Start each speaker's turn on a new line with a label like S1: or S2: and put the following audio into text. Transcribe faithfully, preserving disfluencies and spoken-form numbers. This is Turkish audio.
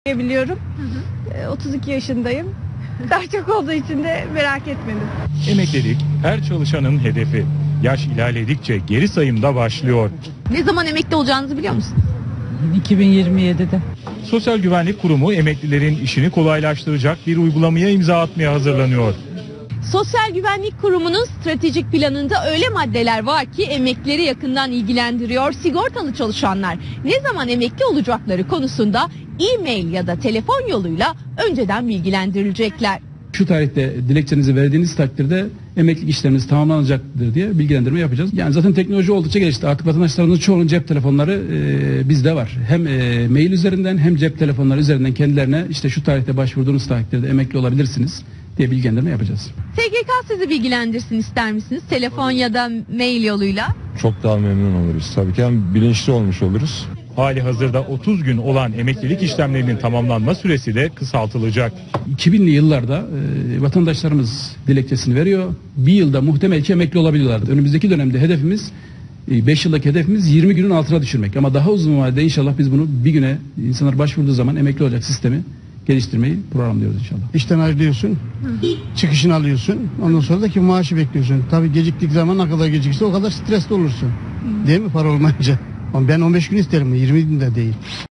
S1: Biliyorum. Hı hı. otuz iki yaşındayım. Daha çok olduğu için de merak etmedim.
S2: Emeklilik her çalışanın hedefi. Yaş ilerledikçe geri sayım da başlıyor.
S3: Ne zaman emekli olacağınızı biliyor musunuz?
S4: iki bin yirmi yedide.
S2: Sosyal Güvenlik Kurumu emeklilerin işini kolaylaştıracak bir uygulamaya imza atmaya hazırlanıyor.
S3: Sosyal Güvenlik Kurumu'nun stratejik planında öyle maddeler var ki emeklileri yakından ilgilendiriyor. Sigortalı çalışanlar ne zaman emekli olacakları konusunda e-mail ya da telefon yoluyla önceden bilgilendirilecekler.
S5: Şu tarihte dilekçenizi verdiğiniz takdirde emeklilik işleminiz tamamlanacaktır diye bilgilendirme yapacağız. Yani zaten teknoloji oldukça gelişti. Artık vatandaşlarımızın çoğunun cep telefonları e, bizde var. Hem e, mail üzerinden hem cep telefonları üzerinden kendilerine işte şu tarihte başvurduğunuz takdirde emekli olabilirsiniz diye bilgilendirme yapacağız.
S3: S G K sizi bilgilendirsin ister misiniz? Telefon ya da mail yoluyla.
S6: Çok daha memnun oluruz. Tabii ki hem bilinçli olmuş oluruz.
S2: Hali hazırda otuz gün olan emeklilik işlemlerinin tamamlanma süresi de kısaltılacak.
S5: iki binli yıllarda e, vatandaşlarımız dilekçesini veriyor. Bir yılda muhtemel ki emekli olabiliyorlardı. Önümüzdeki dönemde hedefimiz beş yıldaki hedefimiz yirmi günün altına düşürmek. Ama daha uzun vadede inşallah biz bunu bir güne insanlar başvurduğu zaman emekli olacak sistemi geliştirmeyi programlıyoruz inşallah.
S7: İşten ayrılıyorsun, hı. çıkışını alıyorsun, ondan sonra da ki maaşı bekliyorsun. Tabii geciktik zaman ne kadar gecikirse o kadar stresli olursun. Hı. Değil mi para olmayınca? Ama ben on beş gün isterim, yirmi gün de değil.